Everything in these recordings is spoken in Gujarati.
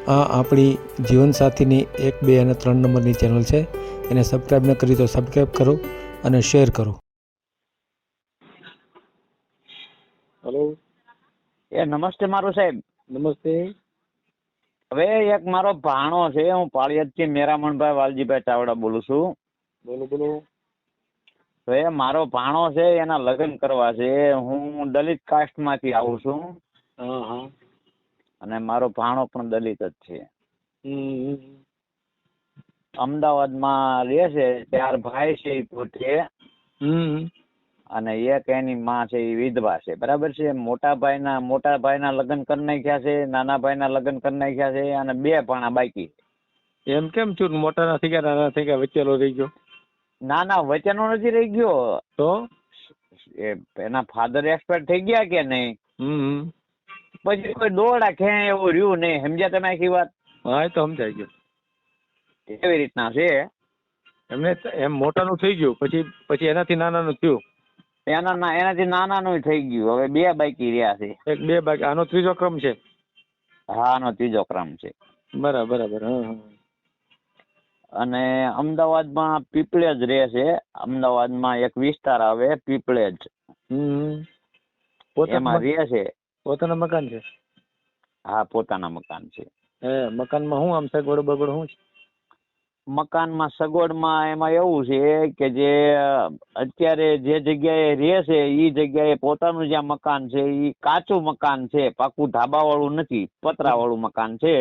આ આપણી જીવનસાથીની 1, 2 અને 3 નંબરની ચેનલ છે. એને સબસ્ક્રાઈબ ન કરી તો સબસ્ક્રાઈબ કરો અને શેર કરો. હેલો. નમસ્તે મારું સાહેબ. નમસ્તે. હવે એક મારો ભાણો છે, હું પાળિયાદથી મેરામણભાઈ વાલજીભાઈ ચાવડા બોલું છું. બોલો બોલો. હવે મારો ભાણો છે, એના લગ્ન કરવા છે. હું દલિત કાસ્ટમાંથી આવું છું. હા હા. અને મારો ભાણો પણ દલિત જ છે. હમ. અમદાવાદમાં રહે છે. 4 ભાઈ છે એ પોતે, હમ. અને એક એની માં છે એ વિધવા છે. બરાબર છે. મોટા ભાઈના લગ્ન કરી નાખ્યા છે, નાના ભાઈના લગ્ન કરી નાખ્યા છે, અને 2 ભાણા બાકી. એમ કેમ છું? મોટા ના થઈ ગયા, નાના થઈ ગયા, વચ્ચેલો રહી ગયો? ના વચનો નથી રહી ગયો. તો એના ફાધર એક્સપાયર થઈ ગયા કે નહીં, હમ. પછી કોઈ દોડા ખેં એવું રહ્યું નહીં. સમજ્યા તમે આખી વાત? હા, એ તો સમજાઈ ગયું. એવી રીતના છે. એમને એમ મોટાનું થઈ ગયું, પછી એનાથી નાનાનું થયું. એનાથી નાનાનું થઈ ગયું. હવે 2 બાકી રહ્યા છે. 1, 2 બાકી. આનો ત્રીજો ક્રમ છે? હા, આનો ત્રીજો ક્રમ છે. બરાબર. હા. અને અમદાવાદમાં પીપળેજ રહે છે. અમદાવાદમાં એક વિસ્તાર આવે પીપળેજ, એમાં રહે છે. પોતાના મકાન છે? હા, પોતાના મકાન છે. મકાનમાં શું આમ સગવડ બગડ શું છે? મકાનમાં સગવડમાં એમાં એવું છે કે જે અત્યારે જે જગ્યાએ રહે છે એ જગ્યાએ પોતાનું જ્યાં મકાન છે એ કાચું મકાન છે, પાકું ધાબા વાળું નથી, પતરા વાળું મકાન છે.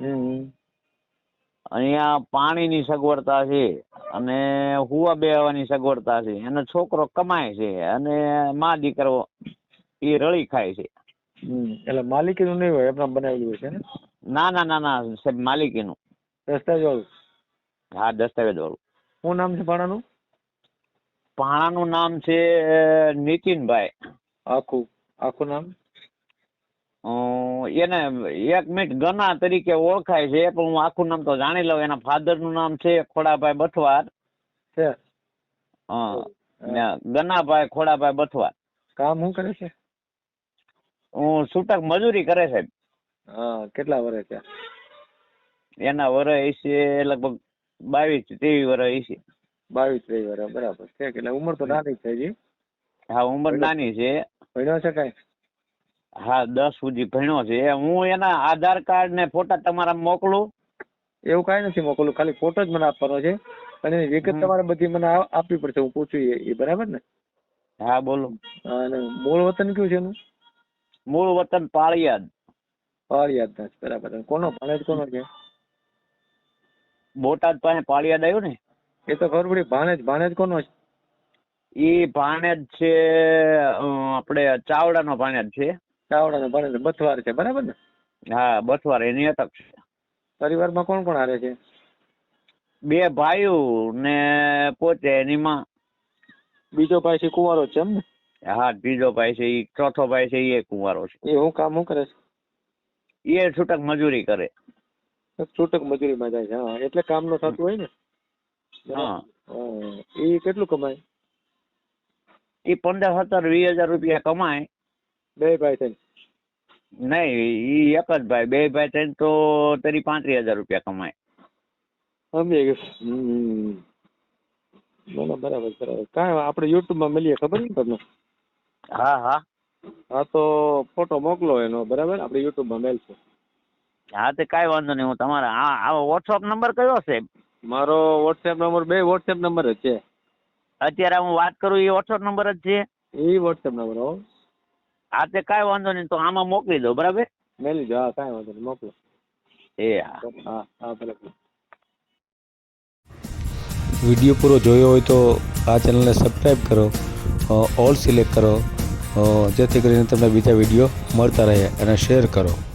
અહીંયા પાણીની સગવડતા છે અને હુવા બેહવાની સગવડતા છે. એનો છોકરો કમાય છે અને મા દીકરો એ રળી ખાય છે. એટલે માલિકીનું નહીં હોય, એમના બનાવેલું છે ને? ના સાહેબ, માલિકીનું. દસ્તાવેજ વાળું? હા, દસ્તાવેજ વાળું. શું નામ છે ભાણાનું? ભાણાનું નામ છે નીતિનભાઈ. આખું નામ? એને 1 મિનિટ ગના તરીકે ઓળખાય છે, પણ હું આખું નામ તો જાણી લઉં. એના ફાધર નું નામ છે ખોડાભાઈ બથવાર. ગનાભાઈ ખોડાભાઈ બથવાર. કામ શું કરે છે? હું છૂટક મજૂરી કરે સાહેબ. કેટલા વર્ષ છે? એના વર્ષ છે લગભગ 22-23 વર્ષ છે. 22-23 વર્ષ, બરાબર છે. એટલે ઉંમર તો નાની છે હજી. હા, ઉંમર નાની છે. ભણ્યો છે કઈ? હા, 10 સુધી ભણ્યો છે. હું એના આધાર કાર્ડ ને ફોટા તમારા મોકલું? એવું કઈ નથી મોકલું, ખાલી ફોટો જ મને આપવાનો છે. અને એની વિગત તમારે બધી મને આપવી પડશે, હું પૂછું એ બરાબર ને? હા, બોલો. અને મૂળ વતન કયું છે એનું? મૂળ વતન પાળિયાદ. પાળિયાદ ના, બરાબર. કોનો ભાણેજ કોનો છે? બોટાદ પાસે પાળિયાદ આવ્યું ને? એ તો ખબર પડી. ભાણેજ કોનો છે? એ ભાણેજ છે આપણે ચાવડાનો ભાણેજ છે. ચાવડાનો ભાણેજ બથવાર છે, બરાબર ને? હા, બથવાર એની અટક છે. પરિવારમાં કોણ કોણ હારે છે? 2 ભાઈઓ ને પોતે એની માં. બીજો ભાઈ છે કુંવારો છે એમ ને? હા, ત્રીજો ભાઈ છે, એ ચોથો ભાઈ છે એ કુંવારો છે. એ હું કામ શું કરે છે? એ છૂટક મજૂરી કરે. છૂટક મજૂરીમાં જાય છે? હા, એટલે કામ નો થતું હોય ને? હા. એ કેટલું કમાય? એ 15-17-20 હજાર રૂપિયા કમાય. 2 ભાઈ થઈને? નહીં, એ એક જ ભાઈ. 2 ભાઈ થઈને તો 35 હજાર રૂપિયા કમાય. સમજી ગયું. બરાબર. કાંઈ આપણે યુટ્યુબમાં મળીએ, ખબર ને તમને? હા, તો ફોટો મોકલો એનો, બરાબર? આપણે યુટ્યુબમાં મેલશું. હા, તો કાંઈ વાંધો નહીં. હું તમારા આ વોટ્સઅપ નંબર કયો છે? મારો વોટ્સએપ નંબર 2 વોટ્સએપ નંબર જ છે. અત્યારે હું વાત કરું એ વોટ્સઅપ નંબર જ છે? એ વોટ્સએપ નંબર. હા, તે કાંઈ વાંધો નહીં. તો આમાં મોકલી દો, બરાબર? મેલી દો. હા, કાંઈ વાંધો નહીં, મોકલો. હા, બરાબર. વિડીયો પૂરો જોયો હોય તો આ ચેનલને સબસ્ક્રાઈબ કરો, ઓલ સિલેક્ટ કરો, જેથી કરીને તમને બીજા વિડીયો મળતા રહે, અને શેર કરો.